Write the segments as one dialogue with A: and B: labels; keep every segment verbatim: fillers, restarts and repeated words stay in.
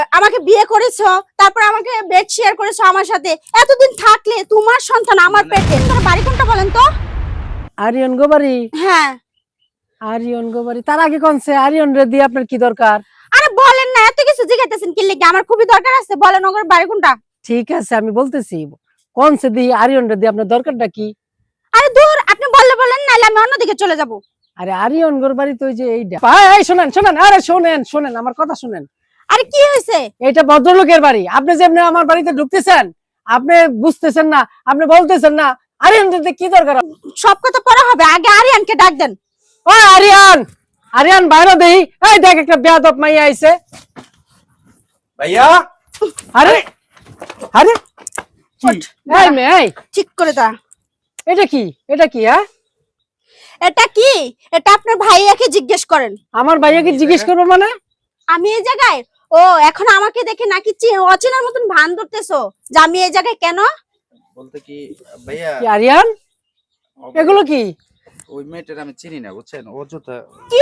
A: আমাকে বিয়ে করেছো, তারপর আমাকে বেড শেয়ার করেছো আমার সাথে। এতদিন থাকলে তোমার সন্তান আমার পেটে। তোমার বাড়ি কোনটা বলেন তো?
B: আরিয়ন গো বাড়ি?
A: হ্যাঁ।
B: আরিয়ন গো বাড়ি। তার আগে কোনছে আরিয়ন রে দিয়ে আপনার কি দরকার?
A: আরে বলেন না, এত কিছু জিজ্ঞাসাছেন কি লাগি? আমার খুবই দরকার আছে, বলেন ওর বাড়ি কোনটা।
B: ঠিক আছে আমি বলতেছি, কোনছে দি আরিয়ন রে দিয়ে আপনার দরকারটা কি?
A: আরে দূর, আপনি বললে বলেন, নাহলে আমি অন্যদিকে চলে যাব।
B: আরে আরিয়ন গোর বাড়ি তো ওই যে এইটা। এই শুনেন শুনেন, আরে শুনেন শুনেন আমার কথা শুনেন।
A: আরে কি হয়েছে?
B: এটা ভদ্রলোকের বাড়ি। আপনি যে এমনি আমার বাড়িতে ঢুকতেছেন, আপনি বুঝতেছেন না, আপনি বলতেছেন না। আরিয়ান রে কি দরকার?
A: সব কথা পরে হবে, আগে আরিয়ানকে ডাক দেন।
B: ও আরিয়ান, আরিয়ান বাইরে দেই। এই দেখ একটা বেয়াদব মাইয়া আইছে।
C: ভাইয়া
B: আরে আরে
A: ওঠ,
B: এই মে এই
A: ঠিক করে দাঁড়া।
B: এটা কি? এটা কি? হ্যাঁ
A: এটা কি? এটা আপনার ভাইয়াকে জিজ্ঞেস করেন।
B: আমার ভাইয়াকে জিজ্ঞেস করবো মানে?
A: আমি এই জায়গায়? ও এখন আমাকে দেখে নাকি চি- অচেনার মতন ভান ধরতেছো যে আমি এই জায়গায় কেন?
C: বলতে কি ভাইয়া,
B: কি আরিয়ান এগুলো কি?
C: ওই মেয়েটার আমি চিনি না, বুঝছেন? ও জুতা
A: কি?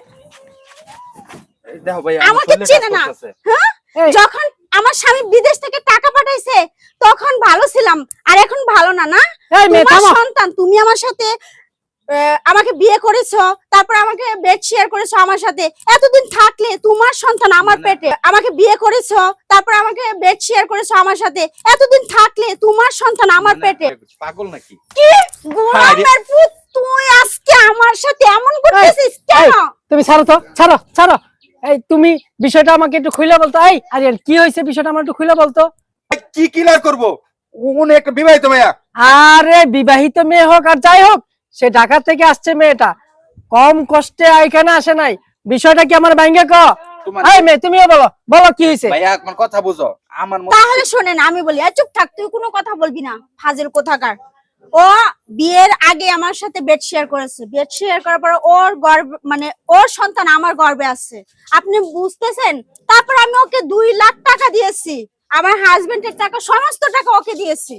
C: এই দেখো ভাইয়া,
A: আমাকে চেনে না? হ্যাঁ,
B: এই,
A: যখন আমার স্বামী বিদেশ থেকে টাকা পাঠাইছে তখন ভালো ছিলাম, আর এখন ভালো না। না
B: এই মেয়ে
A: তোমার
B: থামো।
A: সন্তান, তুমি আমার সাথে আহ, আমাকে বিয়ে করেছো, তারপর আমাকে বেড শেয়ার করেছো আমার সাথে। এতদিন থাকলে তোমার সন্তান আমার পেটে। আমাকে বিয়ে করেছো, তারপর আমাকে বেড শেয়ার করেছো আমার সাথে। এতদিন থাকলে তোমার সন্তান আমার পেটে।
C: পাগল নাকি?
A: কি গোলামের পুত, তুই আজকে আমার সাথে এমন করতেছিস কেন?
B: তুমি ছাড়ো তো, ছাড়ো ছাড়ো। এই তুমি বিষয়টা আমাকে একটু খুলে বলতো। এই আরিয়ান কি হয়েছে বিষয়টা আমার একটু খুলে বলতো।
C: কি ক্লিয়ার করব? উনি একটা বিবাহিত ভাইয়া।
B: আরে বিবাহিত মেয়ে হোক আর যাই হোক, সে ঢাকা থেকে আসছে মেয়েটা, কম কষ্টে এখানে আসে নাই। বিষয়টা কি আমার ভাঙ্গে ক?
C: তোমার-
B: এই মেয়ে তুমিও বলো, বলো কি হয়েছে?
C: ভাইয়া আমার কথা বুঝো, আমার মনে
A: তাহলে শোনেন, আমি বলি, আর চুপ থাক, তুই কোনো কথা বলবি না, ফাজিল কোথাকার। ও বিয়ের আগে আমার সাথে বেড শেয়ার করেছে। বেড শেয়ার করার পর ওর গর্ভ মানে ওর সন্তান আমার গর্ভে আছে, আপনি বুঝতেছেন? তারপর আমি ওকে দুই লাখ টাকা দিয়েছি, আমার হাজবেন্ডের টাকা, সমস্ত টাকা ওকে দিয়েছি।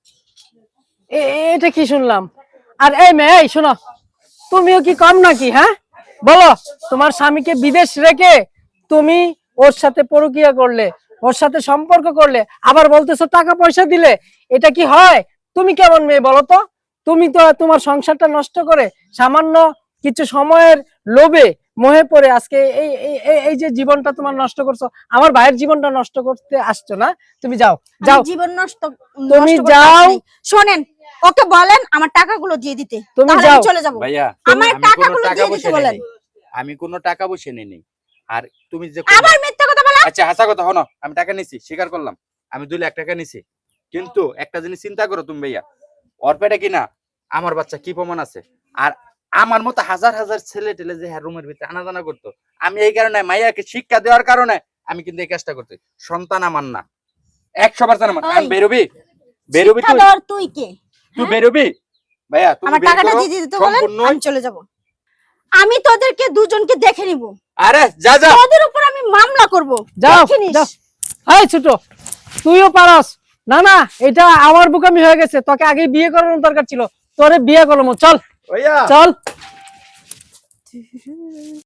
B: এ- এটা কি শুনলাম? আর এই মেয়ে এই শোনো, তুমিও কি কম নাকি? হ্যাঁ বলো, তোমার স্বামীকে বিদেশ রেখে তুমি ওর সাথে পরকীয়া করলে, ওর সাথে সম্পর্ক করলে, আবার বলতেছো টাকা পয়সা দিলে। এটা কি হয়? তুমি কেমন মেয়ে বলো তো? তুমি তো তোমার সংসারটা নষ্ট করে সামান্য কিছু সময়ের লোভে মোহে পড়ে আজকে এই এই- এই- এই যে জীবনটা তোমার নষ্ট করছো, আমার ভাইয়ের জীবনটা নষ্ট করতে আসছো না? তুমি যাও যাও,
A: আমি জীবন নষ্ট
B: তুমি
A: নষ্ট করতে
B: যাও।
A: আসিনি। শোনেন, ওকে বলেন আমার টাকাগুলো দিয়ে দিতে,
B: তুমি
A: তাহলে আমি
B: যাও।
A: চলে যাব।
C: ভাইয়া
A: আমার
C: আমি কোনো
A: টাকাগুলো
C: টাকা
A: দিয়ে দিতে
C: পয়সা
A: বলেন।
C: নেই, আমি কোনো টাকা পয়সা নেই। আর তুমি যে
A: আবার মিথ্যা কথা বলা।
C: আচ্ছা হাসা কথা হনো, আমি টাকা নিছি, স্বীকার করলাম, আমি দুই লাখ টাকা নিছি। কিন্তু একটা জিনিস চিন্তা করো তুমি ভাইয়া, ওর পেটে কিনা আমার বাচ্চা কি প্রমাণ আছে? আর আমার মতো হাজার হাজার ছেলে টেলে যে হ্যাঁ রুমের ভিতরে আনাজানা করতো, আমি এই কারণে মাইয়াকে শিক্ষা দেওয়ার কারণে আমি কিন্তু এই কাজটা করতে। সন্তান আমার না, একশো পার্সেন্ট আমার।
A: এই,
C: বেরোবি বেরোবি
A: শিক্ষা
C: তুই,
A: দেওয়ার তুই কে?
C: তুই বেরোবি ভাইয়া, তুমি
A: আমার
C: বের
A: টাকাটা
C: করো,
A: দিয়ে দিতে বলেন,
C: সম্পূর্ণ।
A: আমি চলে যাব। আমি তোদেরকে দুজনকে দেখে নিব,
C: আরে যা যা,
A: তোদের উপর আমি মামলা করব।
B: যাও
A: দেখে নিস।
B: যাও। এই ছোট, তুইও পারস না? না এটা আমার বুকামি হয়ে গেছে, তোকে আগে বিয়ে করানোর দরকার ছিল, তোরে বিয়ে করবো। চল
C: ভাইয়া
B: চল।